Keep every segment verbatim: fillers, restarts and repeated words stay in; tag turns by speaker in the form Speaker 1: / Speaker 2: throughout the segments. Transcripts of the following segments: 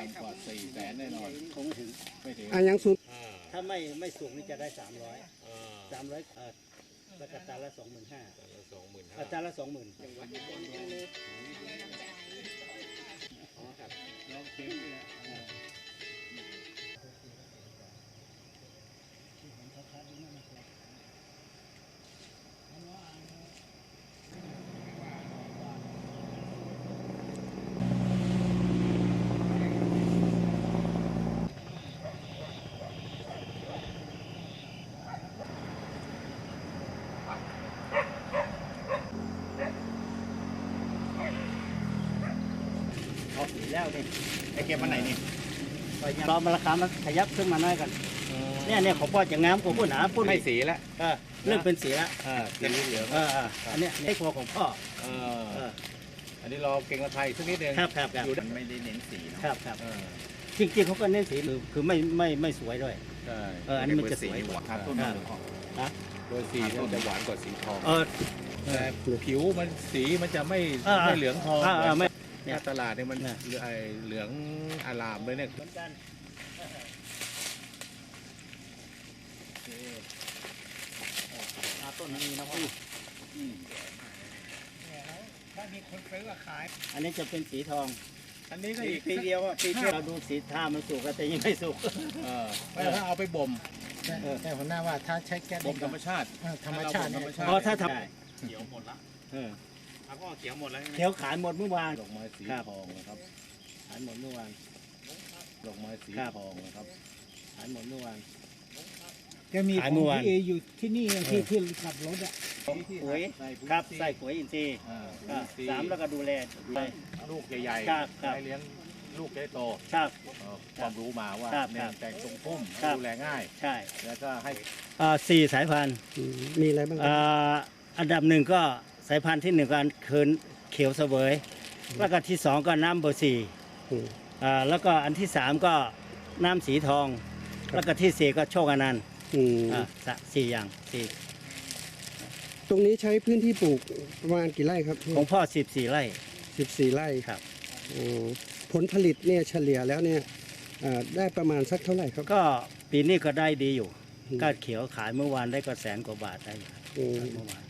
Speaker 1: ต่ำกว่าสี่แสนแน่นอน
Speaker 2: คงไม่ถึง
Speaker 1: ไม่ถึง
Speaker 3: อ่ะยังสุด
Speaker 2: ถ้าไม่ไม่สูงนี่จะได้สามร้อยสามร้อยเออแล้วก็ตันละสองหมื่นห้าสองหมื่นตันละสองหมื่นเอาสีแล้วนี่
Speaker 1: ไอเก็บวันไหนนี่
Speaker 2: รอมาราคามันขยับขึ้นมาหน่อยกันเนี่ยเนี่ยของพ่อจะงามกว่าพุ่นหนาพุ่น
Speaker 1: ให้สีแล้ว
Speaker 2: เออเริ่มเป็นสีแล้ว
Speaker 1: อ่าสีเหลือง
Speaker 2: เออเอออันเนี้ยให้ครัวของพ่อ
Speaker 1: เอ
Speaker 2: เอ
Speaker 1: อ
Speaker 2: อ
Speaker 1: อันนี้รอเก่งละไทยสักนิดนึง
Speaker 2: ครับครับครับ
Speaker 1: อยู่ไม่ได้เน้นสีเนาะ
Speaker 2: ครับครับ
Speaker 1: เออ
Speaker 2: จริงๆเขาก็เน้นสีคือคือไม่ไม่ไม่สวยด้วย
Speaker 1: ใช่
Speaker 2: เอออันนี้มันจะสวย
Speaker 1: หวานครับ
Speaker 2: เออ
Speaker 1: ต้น
Speaker 2: ครับ
Speaker 1: นะ โดยสีมันจะหวานกว่าสีทอง
Speaker 2: เออ
Speaker 1: แต่ผิวมันสีมันจะไม่
Speaker 2: เออ
Speaker 1: ไม่เหลืองทอง
Speaker 2: เออเออไม่
Speaker 1: ถ้าตลาดเนี่ยมัน
Speaker 2: เนี่ย
Speaker 1: เหลืองไอ้เหลืองอารามเลยเนี่ย
Speaker 2: เหมือนกันต้นนี้นะพ่อ
Speaker 1: ถ้ามีคนซื้อขาย
Speaker 2: อันนี้จะเป็นสีทอง
Speaker 1: อันนี้ก็อีก
Speaker 2: ปีเดียวอ่ะปีที่เราดูสีท่ามันสุกแต่ยังไม่สุก
Speaker 1: เออแล้วถ้าเอาไปบ่ม
Speaker 3: แต่หัวหน้าว่าถ้าใช้แก๊ส
Speaker 1: บ่มธรรมชาติ
Speaker 3: ธรรมชาติ
Speaker 1: ธรรมชาติ
Speaker 2: อ๋อถ้าท
Speaker 1: เขียวหมดละ
Speaker 2: ำเออ
Speaker 1: แล้วก็เขียวหมดแล้ว
Speaker 2: เขียวขายหมดเมื่อวาน
Speaker 1: ดอกไม้สีทองนะครับ
Speaker 2: ขายหมดเมื่อวาน
Speaker 1: ดอกไม้สี
Speaker 2: ครับ
Speaker 1: ทองนะครับ
Speaker 2: ขายหมดเมื่อวาน
Speaker 3: จะมี
Speaker 2: ขายเมื่อวาน
Speaker 3: พี่เออยู่ที่นี่ที่ที่ขับรถอ่ะ
Speaker 2: ปุ๋ยครับใส่ปุ๋ยอินทรีย์
Speaker 1: อ่า
Speaker 2: อ่า
Speaker 1: สี
Speaker 2: สามแล้วก็ดูแลดูแล
Speaker 1: ลูกใหญ่ๆ
Speaker 2: ครับครับ
Speaker 1: ให้เลี้ยงลูกได้โต
Speaker 2: ครับ
Speaker 1: เอ่อความรู้มาว่า
Speaker 2: ครับ
Speaker 1: เนี่ยแต่งทรงพุ่ม
Speaker 2: ครับ
Speaker 1: ดูแลง่าย
Speaker 2: ใช่
Speaker 1: แล้วก็ให้
Speaker 2: อ่าสี่สายพันธุ์
Speaker 3: มีอะไรบ้าง
Speaker 2: อ่าอันดับหนึ่งก็สายพันธุ์ที่หนึ่งก็คืนเขียวเสวยแล้วก็ที่สองก็น้ำเบอร์สี่อ่าแล้วก็อันที่สามก็น้ำสีทอง แล้วก็ที่สี่ก็โชคอนันต์
Speaker 3: อืม
Speaker 2: อ่าสะสี่อย่างสี่
Speaker 3: ตรงนี้ใช้พื้นที่ปลูกประมาณกี่ไร่ครับ
Speaker 2: ของพ่อสิบสี่ไร่
Speaker 3: สิบสี่ไร่
Speaker 2: ครับ
Speaker 3: อ๋อผลผลิตเนี่ยเฉลี่ยแล้วเนี่ยอ่าได้ประมาณสักเท่าไหร่ครับ
Speaker 2: ก็ปีนี้ก็ได้ดีอยู่
Speaker 3: อืม
Speaker 2: ก็เขียวขายเมื่อวานได้ก็แสนกว่าบาทได้อยู่
Speaker 3: อืม
Speaker 2: เมื่อวาน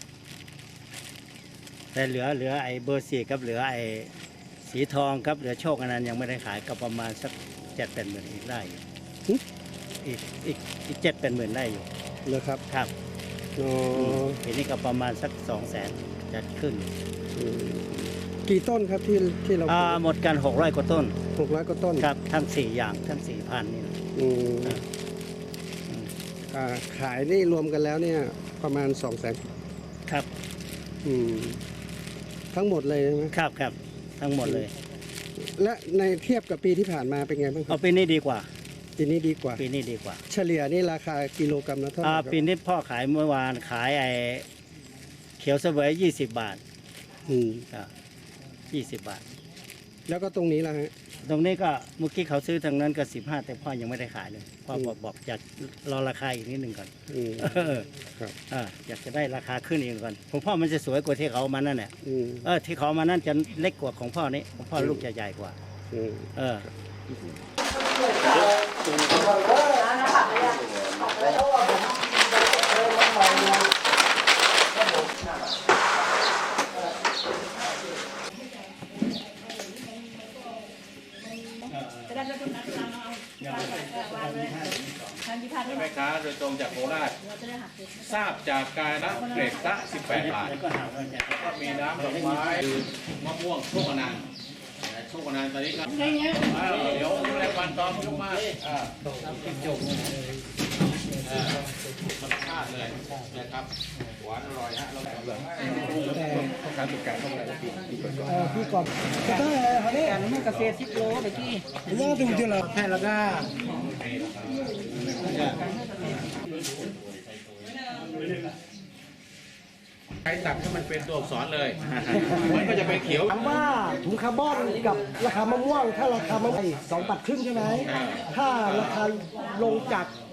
Speaker 2: แต่เหลือเหลือไอ้เบอร์สี่กับเหลือไอ้สีทองครับเหลือโชคอนันต์ยังไม่ได้ขายก็ประมาณสักเจ็ดเป็นหมื่นอีกได้อยู่อีกอีกอีกเจ็ดเป็นหมื่นได้อยู่
Speaker 3: เลยครับ
Speaker 2: ครับ
Speaker 3: อ๋อ
Speaker 2: ปีนี้ก็ประมาณสักสองแสนจะขึ้น
Speaker 3: อืมกี่ต้นครับที่ที่เราป
Speaker 2: อ่า
Speaker 3: ลูก
Speaker 2: หมดกันหกร้อยกว่าต้น
Speaker 3: หกร้อยกว่าต้น
Speaker 2: ครับทั้งสี่อย่างทั้งสี่พันนี่นะ
Speaker 3: อืม
Speaker 2: ครับ
Speaker 3: อ่าขายนี่รวมกันแล้วเนี่ยประมาณสองแสน
Speaker 2: ครับ
Speaker 3: อืมทั้งหมดเลยใช่ไหม
Speaker 2: ครับครับทั้งหมดเลย
Speaker 3: และในเทียบกับปีที่ผ่านมาเป็นไงบ้างค
Speaker 2: เอา
Speaker 3: รับ
Speaker 2: ปีนี้ดีกว่า
Speaker 3: ปีนี้ดีกว่า
Speaker 2: ปีนี้ดีกว่า
Speaker 3: เฉลี่ยนี่ราคากิโลกรัมละเท่าไหร่
Speaker 2: อ่า
Speaker 3: ครับ
Speaker 2: ปีนี้พ่อขายเมื่อวานขายไอ้เขียวเสวยยี่สิบบาท
Speaker 3: อืม
Speaker 2: ยี่สิบบาท
Speaker 3: แล้วก็ตรงนี้ล่ะฮะ
Speaker 2: ตรงนี้ก็เมื่อกี้เขาซื้อทางนั้นก็สิบห้าแต่พ่อยังไม่ได้ขายเลยพ่อบอกบอกอยากรอราคาอีกนิดหนึ่งก่อน
Speaker 3: อืม
Speaker 2: เออ
Speaker 3: ครับ
Speaker 2: อ่าอยากจะได้ราคาขึ้นอีกก่อนของพ่อมันจะสวยกว่าที่เขาเอามานั่นแหละ
Speaker 3: อืม
Speaker 2: เออที่เขาเอามานั่นจะเล็กกว่าของพ่อนี้ของพ่อลูกจะใหญ่กว่า
Speaker 3: อืม
Speaker 2: เออ
Speaker 1: แม่ค้าโดยตรงจากโคราชทราบจากการนะเกรดละสิบแปดบาท
Speaker 2: แล้วก็หาว่าจะ
Speaker 1: ก็มีน้ำดอกไม้คือมะม่วงโชคอนันต์โชคอนันต์ตอนนี้ครับอ้าวเดี๋ยวแรงวันตอมยกมาอ่าจบอ่ามันพลาดเลยนะครับหวานอร่อยฮะเราแบบเลยการตกแต่งเข้าไปแล้วพี่พี่ก่อน
Speaker 3: เออพี่ก่อนก็ได้เขาเนี่ย
Speaker 2: การมันเกษตรสิบโลเมื่อกี้
Speaker 3: ว่าดูที่เราแพทย์แล้วก็
Speaker 1: ใช้ตัดให้มันเป็นตัวอักษรเลย มันก็จะเป็นเขียว
Speaker 4: ถามว่าถุงคาร์บอนกับราคามะม่วงถ้าราคามะม่วงสองบาทครึ่งใช่ไหมถ้าราคาลงจาก